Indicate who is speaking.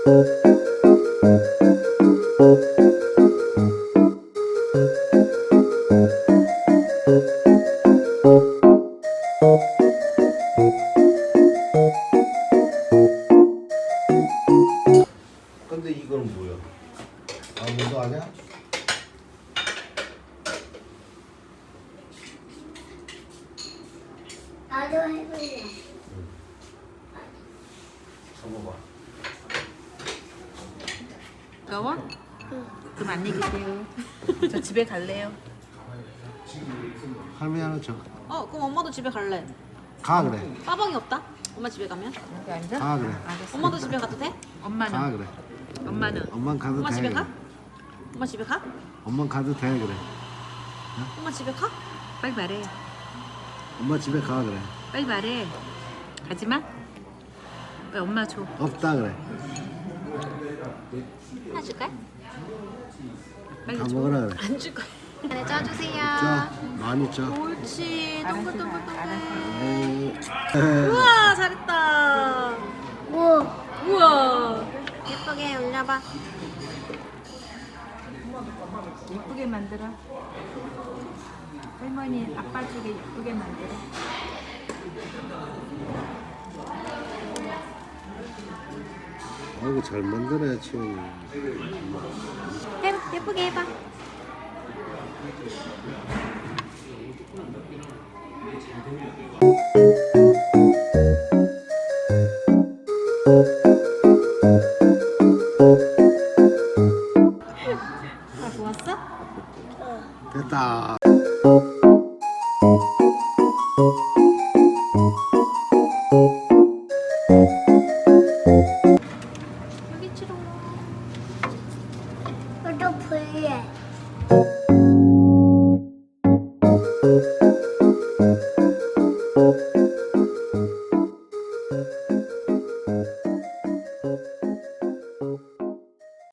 Speaker 1: 근데 이건 뭐야? 아무도 아냐?
Speaker 2: 나도 해볼래.
Speaker 1: 잡아봐.
Speaker 3: 더워? 그럼 안녕히 계세요. 저 집에 갈래요.
Speaker 1: 할머니 하나 줘.
Speaker 4: 그럼 엄마도 집에 갈래.
Speaker 1: 가 그래.
Speaker 4: 빠방이 없다? 엄마 집에 가면?
Speaker 3: 여기 앉아?
Speaker 1: 가 그래.
Speaker 3: 알겠어.
Speaker 4: 엄마도 집에 가도 돼?
Speaker 1: 가
Speaker 3: 엄마는?
Speaker 1: 그래.
Speaker 3: 엄마는?
Speaker 1: 엄만 가도
Speaker 4: 엄마
Speaker 1: 돼.
Speaker 4: 집에
Speaker 1: 그래.
Speaker 4: 가? 엄마 집에 가?
Speaker 1: 엄만 가도 돼 그래.
Speaker 4: 엄마 집에 가?
Speaker 3: 빨리 말해.
Speaker 1: 엄마 집에 가 그래.
Speaker 3: 빨리 말해. 가지마. 왜 엄마 줘.
Speaker 1: 없다 그래.
Speaker 4: 하나 줄까?
Speaker 3: 빨리
Speaker 1: 다
Speaker 3: 줘.
Speaker 1: 먹으라 그래.
Speaker 4: 안 줄 거야. 안에 짜주세요.
Speaker 1: 자, 많이 줘.
Speaker 4: 옳지. 동글동글동글.
Speaker 1: 에이.
Speaker 4: 우와, 잘했다.
Speaker 2: 뭐?
Speaker 4: 우와. 예쁘게 올려봐.
Speaker 3: 예쁘게 만들어. 할머니 아빠 쪽에 예쁘게 만들어.
Speaker 1: 아이고 잘 만드네 지금.
Speaker 4: 예쁘게 해봐. 다 좋았어?
Speaker 1: 됐다.